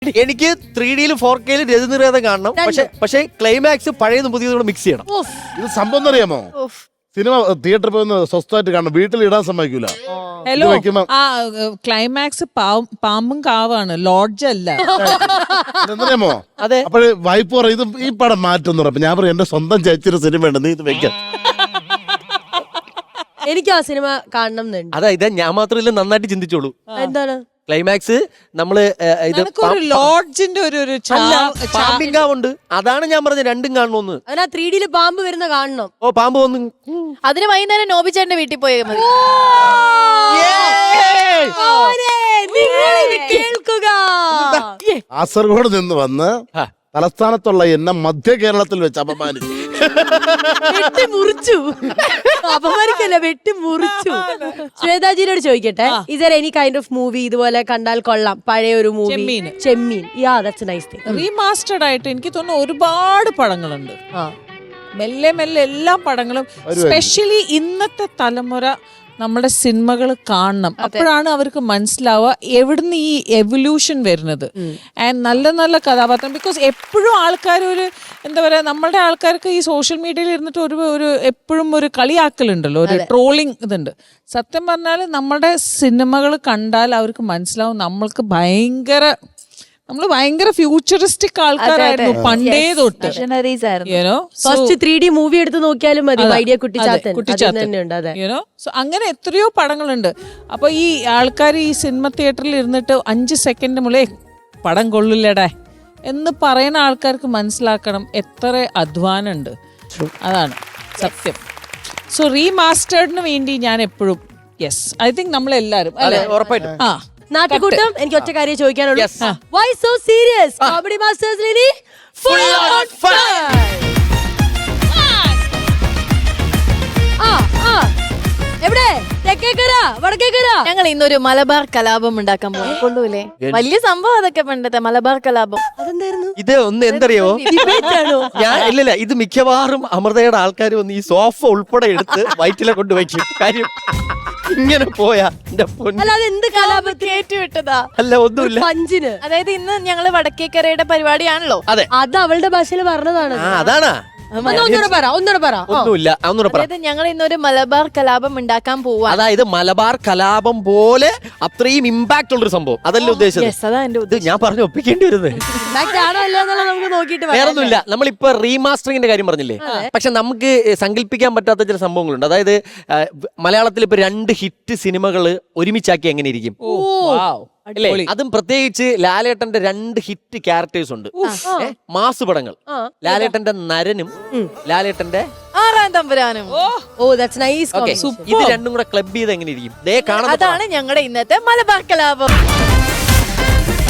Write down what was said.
എനിക്ക് 3Dയിലും 4Kയിലും രജനിരേതം കാണണം. പക്ഷേ ക്ലൈമാക്സ് പഴയതും പുതിയതും കൂടെ മിക്സ് ചെയ്യണം. ഇത് സംഭവം അറിയാമോ? സിനിമ തിയേറ്ററിൽ പോയി സ്വസ്ഥമായിട്ട് കാണണം, വീട്ടിൽ ഇടാൻ സമ്മതിക്കൂല. ഹലോ, ആ ക്ലൈമാക്സ് പാമ്പും കാവാണ്, ലോഡ്ജ് അല്ല. എന്തറിയാമോ? അതെ. അപ്പോഴ് വൈഫ് പറയും ഇത് ഈ പടം മാറ്റുന്നു. അപ്പൊ ഞാൻ പറയും എന്റെ സ്വന്തം ചേച്ചിയുടെ സിനിമ ഉണ്ട്, നീ ഇത് വെക്കാം. എനിക്ക് ആ സിനിമ കാണണം എന്നുണ്ട്. അതായത് ഞാൻ മാത്രമല്ല, നന്നായിട്ട് ചിന്തിച്ചോളൂ. എന്താണ് ക്ലൈമാക്സ് നമ്മള് ലോഡ്ജിന്റെ ഒരു പാമ്പിങ്കാവുണ്ട്. അതാണ് ഞാൻ പറഞ്ഞത്, രണ്ടും കാണണമെന്ന്. അതിനാ 3Dയില് പാമ്പ് വരുന്ന കാണണം. ഓ, പാമ്പ് വന്നു. അതിന് വൈകുന്നേരം നോബിച്ചേട്ടന്റെ വീട്ടിൽ പോയാൽ മതി. കേൾക്കുക, കാസർഗോഡ് നിന്ന് വന്ന് തലസ്ഥാനത്തുള്ള എന്നെ മധ്യ കേരളത്തിൽ വെച്ച് അപമാനിച്ചു. വെട്ടിമുറിച്ചു. അപമാനിക്കല്ല, വെട്ടിമുറിച്ചു. ശ്വേതാജിയോട് ചോദിക്കട്ടെ, is there any kind of movie ഇതുപോലെ കണ്ടാൽ കൊള്ളാം, പഴയ ഒരു movie? Chemmeen. Yeah, that's nice thing. Remastered ആയിട്ട് എനിക്ക് തോന്നുന്നു ഒരുപാട് പടങ്ങളുണ്ട്. മെല്ലെ മെല്ലെ എല്ലാ പടങ്ങളും, സ്പെഷ്യലി ഇന്നത്തെ തലമുറ നമ്മുടെ സിനിമകൾ കാണണം. അപ്പോഴാണ് അവർക്ക് മനസ്സിലാവുക എവിടുന്ന് ഈ എവല്യൂഷൻ വരുന്നത്. ആൻഡ് നല്ല നല്ല കഥാപാത്രം. ബിക്കോസ് എപ്പോഴും ആൾക്കാർ ഒരു എന്താ പറയുക, നമ്മളുടെ ആൾക്കാർക്ക് ഈ സോഷ്യൽ മീഡിയയിൽ ഇരുന്നിട്ട് ഒരു എപ്പോഴും ഒരു കളിയാക്കലുണ്ടല്ലോ, ഒരു ട്രോളിങ് ഇതുണ്ട്. സത്യം പറഞ്ഞാൽ നമ്മുടെ സിനിമകൾ കണ്ടാൽ അവർക്ക് മനസ്സിലാവും നമ്മള് ഭയങ്കര ഫ്യൂച്ചറിസ്റ്റിക് ആൾക്കാരായിരുന്നു പണ്ടേ തൊട്ട്. ഫസ്റ്റ് 3D മൂവി എടുത്ത് നോക്കിയാലും മതി, ഐഡിയ കുട്ടിച്ചാത്തൻ. സോ അങ്ങനെ എത്രയോ പടങ്ങളുണ്ട്. അപ്പൊ ഈ ആൾക്കാർ ഈ സിനിമ തിയേറ്ററിൽ ഇരുന്നിട്ട് 5 സെക്കൻഡ് മുളേ പടം കൊള്ളില്ലടേ എന്ന് പറയുന്ന ആൾക്കാർക്ക് മനസ്സിലാക്കണം എത്ര അധ്വാനം ഉണ്ട്. അതാണ് സത്യം. സോ റീമാസ്റ്റേർഡിന് വേണ്ടി ഞാൻ എപ്പോഴും യെസ്, ഐ തിങ്ക് നമ്മളെല്ലാരും ഉറപ്പായിട്ടും. ആ നാട്ടുകൂട്ടം, എനിക്ക് ഒറ്റ കാര്യം ചോദിക്കാനുള്ളൂ. Why so serious? കോമഡി മാസ്റ്റേഴ്സിൽ ഫുൾ ഓൺ ഫയർ. എവിടെ? തെക്കേക്കര, വടക്കേക്കര? ഞങ്ങൾ ഇന്നൊരു മലബാർ കലാപം ഉണ്ടാക്കാൻ പോകും. കൊണ്ടുപോലേ വലിയ സംഭവം അതൊക്കെ പണ്ടത്തെ മലബാർ കലാപം. അതെന്തായിരുന്നു? ഇത് ഒന്ന് എന്തറിയോ, ഞാൻ ഇല്ലല്ല, ഇത് മിക്കവാറും അമൃതയുടെ ആൾക്കാർ വന്ന് ഈ സോഫ ഉൾപ്പെടെ എടുത്ത് വയറ്റിലെ കൊണ്ടുവയ്ക്കും. കാര്യം ഇങ്ങനെ പോയാ എന്റെ പൊന്ന്. അല്ലാതെ എന്ത് കലാപം കേട്ടുവിട്ടതാ? അല്ല, ഒന്നുമില്ല. പഞ്ചിന്. അതായത് ഇന്ന് ഞങ്ങള് വടക്കേക്കരയുടെ പരിപാടിയാണല്ലോ. അതെ, അത് അവളുടെ ഭാഷയിൽ പറഞ്ഞതാണ്. അതാണാ. ഒന്നുകൂടെ പറ. ഒന്നുമില്ല, ഒന്നുകൂടെ പറ. അതായത് ഞങ്ങൾ ഇന്നൊരു മലബാർ കലാപം ഉണ്ടാക്കാൻ പോവാ. അതായത് മലബാർ കലാപം പോലെ അത്രയും ഇമ്പാക്ട് ഉള്ളൊരു സംഭവം, അതല്ല ഉദ്ദേശിച്ചത്. അതാ എന്റെ ഇത് ഞാൻ പറഞ്ഞു ഒപ്പിക്കേണ്ടി വരുന്നത്. നമുക്ക് നോക്കിയിട്ട് വേറൊന്നുമില്ല. നമ്മളിപ്പോ റീമാസ്റ്ററിങ്ങിന്റെ കാര്യം പറഞ്ഞില്ലേ, പക്ഷെ നമുക്ക് സങ്കല്പിക്കാൻ പറ്റാത്ത ചില സംഭവങ്ങളുണ്ട്. അതായത് മലയാളത്തിൽ ഇപ്പൊ 2 ഹിറ്റ് സിനിമകൾ ഒരുമിച്ചാക്കി എങ്ങനെ ഇരിക്കും അല്ലേ? അതും പ്രത്യേകിച്ച് ലാലേട്ടന്റെ 2 ഹിറ്റ് ക്യാരക്ടേഴ്സ് ഉണ്ട്, മാസ് പടങ്ങൾ. ലാലേട്ടന്റെ നരനും ലാലേട്ടന്റെ 6-ാം തമ്പുരാനും. That's nice. ഇത് രണ്ടും കൂടെ ക്ലബ് ചെയ്ത് എങ്ങനെ ഇരിക്കും? അതാണ് ഞങ്ങളുടെ ഇന്നത്തെ മലബാർ കലാപം.